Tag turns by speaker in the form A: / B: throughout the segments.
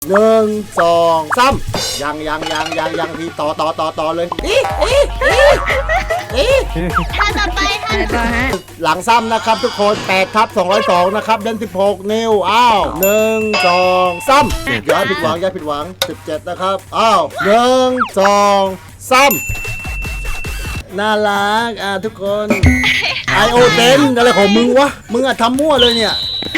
A: หนึ่งสองสามยังพี่ต่อเลย
B: ท่าต่อไปท่าต่อไป
A: หลังซ้ำนะครับทุกคน8/202นะครับเล่น16 นิ้วอ้าว1 2 3อย่าผิดหวัง17นะครับอ้าว1 2 3น่ารักทุกคนไอโอเต็นอะไรของมึงวะมึงทำมั่วเลยเนี่ย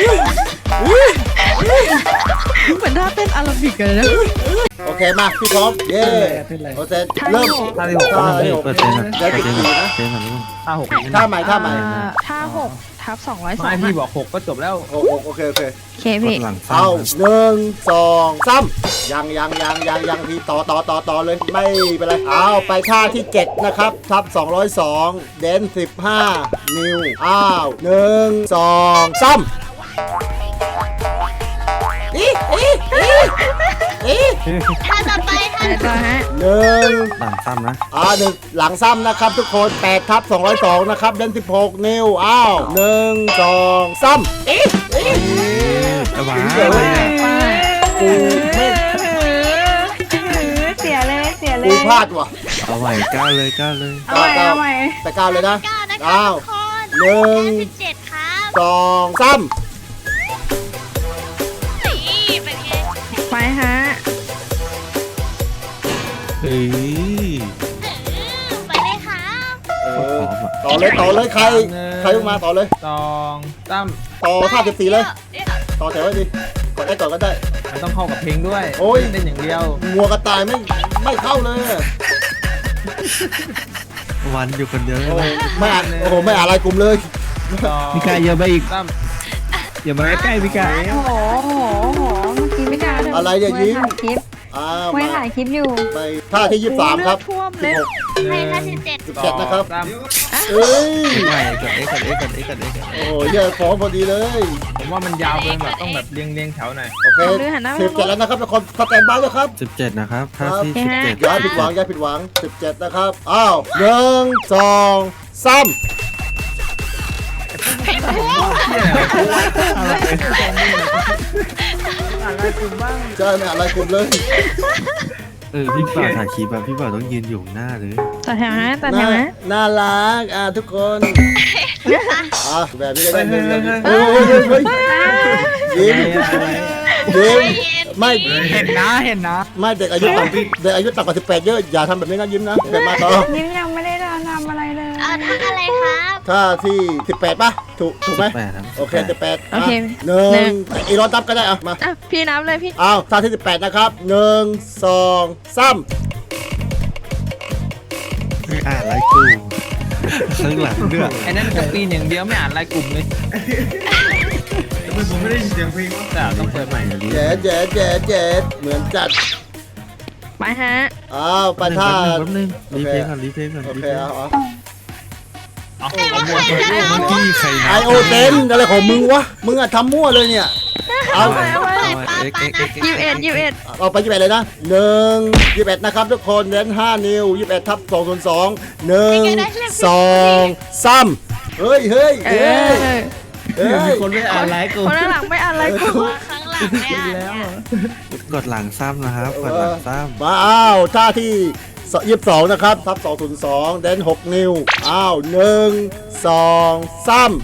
C: เหมือนท่าเต้นอาราบิกเลยนะ
A: โอเคมาพี่พร้อมเย้โอเคเริ่ม
D: ท่าที่หก
A: ท่าที่หก
D: เปอร์เซ็นต์นะ
A: ได้
D: เปอร์เซ็นต์
A: 14
D: นะ
A: นะ
D: เปอร์เซ็นต์ของท่าหก
A: ท่าใหม่
C: ท่า6/202
D: ไม่พี่บอกหกก็จบแล้ว
A: โอเค
C: โอเค
D: ก
C: พี่
D: ดหลัง
A: เอา
D: ซ้ำ
A: 1 2 3ยังพี่ต่อเลยไม่เป็นไรเอาไปท่าที่7นะครับ/202เดน15 นิ้วอ้าว1 2 3
B: ท่าต่อไปท่าต่อไป
A: หนึ่ง
D: หลังซ้ำนะ
A: หนึ่งหลังซ้ำนะครับทุกคน8/202นะครับเล่น16 นิ้วอ้าว1 2 3
D: ระวัง
A: กูไม่
C: เสียเลย
A: กูพลาดว่ะ
D: เอาใหม่ก้าวเลย
C: เอาใหม่
A: แต่ก้าวเลยนะ
B: 9นะคะ
A: อ้าว
B: ทุกคน
A: หนึ่ง
B: 17ครับ
A: 2 3
B: นี่เป็นไง
C: ไปฮะ
D: เฮ้ย
B: ไปเลยครับ
A: ต่อเลยใครลงมาต่อเลย
D: สองตั้ม
A: ต่อท่า14เลย
B: เดี๋ยว
A: ต่อแถวไว้ดิกดได้ก่อนก็ได้
D: มันต้องเข้ากับเพลงด้วย
A: โอ้ย
D: เต้นอย่างเดียว
A: งัวกระต่ายไม่เข้าเลย
D: วันอยู่คนเดียว
A: โอ้ไม่อ่านไม่อ่านอะไรกลุ่มเลย
D: พี่กายเยอะไปอีกตั้มอย่ามาใกล้ๆพี่กาย
C: โอ้โหเมื่อกี้ไม่กล้าเลย
A: อะไรเนี่ยยิ้ม
C: ถ่ายคลิป
A: มา
C: ถ่ายคลิปอยู่
A: ไปท่าที่23ครับ
C: ท่วมเลย
B: ให้ท่า17
A: 17นะครับ
D: ตั้ม
A: เอ้ย
D: ใหม่กดเอ็กกด
A: โอ้โหเหี้ยฟ้องพอดีเลย
D: ผมว่ามันยาวเกินแบบต้องแบบเรียงแถวหน่อย
A: โอเค17แล้วนะครับทุกคนสแตนบายแล้วครับ
D: 17นะครับท่าที่
A: อย่าผิดหวัง17นะครับอ้าว1 2 3ใช่ไม่อะไรกลุ่มเลย
D: พี่บ่าวถ่ายคลิปแบบพี่บ่าวต้องยืนอยู่หน้าเลย
C: ต่อแถวฮะต่อแถวฮะ
A: น่ารักทุกคนแบบนี้ได้เงินยิ้มไม่
D: เห็นนะ
A: ไม่เด็กอายุต่ำกว่า18เยอะอย่าทำแบบนี้นะยิ้มนะเด็กมาต่อ
C: ยิ้มยังไม่ได้ทำอะไรเลย
B: ท่าอะไรครับ
A: ถ้าที่18ป่ะถูกไหม
D: 18ครับ
A: โอเค18
C: โอเค
A: หนึ่งอีรอนตับก็ได้มา
C: พี่นับเลยพี่
A: อ้าวท่าที่18นะครับ1 2 3
D: ไม่อ่านไลน์กูข้างหลังด้วยไอ้นั่นจะปีนอย่างเดียวไม่อ่านไลน์กลุ่มเลยผมไม่ได้ยินเสียงเพลงแต่ต้องเปิดใหม่ดิ
A: เจ็ดเหมือนจัด
C: ไปฮะ
A: อ้าวไปท่า
D: แป๊บนึงรีเพลย์ก่อน
A: โอเคเอา
D: เมื่อกี้ใคร
A: ไอโอเต็นอะไรของมึงวะมึงทำมั่วเลยเนี่ยเอา
C: 21
A: เอาไป21เลยนะ21นะครับทุกคนเน้น5 นิ้ว21/202 1 2 3เฮ้ย
D: คนไม่อ่านไลน์กู
C: คนด้านหลังไม่อะไรกู
B: ข้างหลังเนี่ย
D: กดหลังซ้ำนะครับกดหลังซ้ำ
A: มาอ้าวท่าที่22นะครับ/202เน้น6 นิ้วอ้าว1 2 3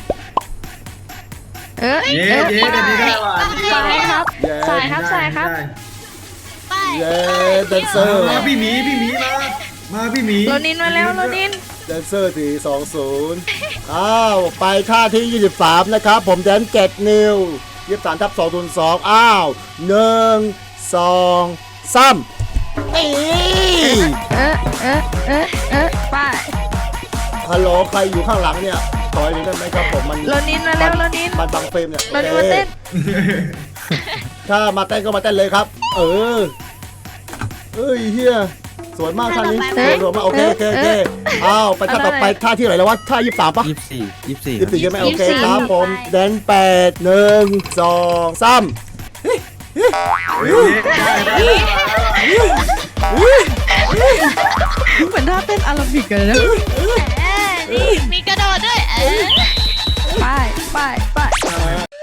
C: สายครับสายครับ
B: ไป
A: เย้แดนเซอร์
E: พี่หมีมาพี่หมี
C: โรนินมาแล้วโรนิน
A: แดนเซอร์ที่20อ้าวไปท่าที่23นะครับผมแดน7 นิ้ว23/202อ้าว1 2 3นี่
C: ไป
A: ฮัลโหลใครอยู่ข้างหลังเนี่ยถอยหน่อยได้ไหมครับผมมัน
C: โรนินมาแล้วโรนิน
A: มันบังเฟรมเนี่ย
C: โรนินมาเต้น
A: ถ้ามาเต้นก็มาเต้นเลยครับเอ้ยเฮียสวยมากท่านี้สวยมากโอเคอ้าวไปท่าต่อไปท่าที่ไหนแล้ววะท่า23ป่ะ 24ใช่ไหมโอเคครับผมแดน8 1 2 3
C: เหมือนท่าเต้นอาราบิกเลยนะ
B: นี่มีกระโดดด้วย
C: ไป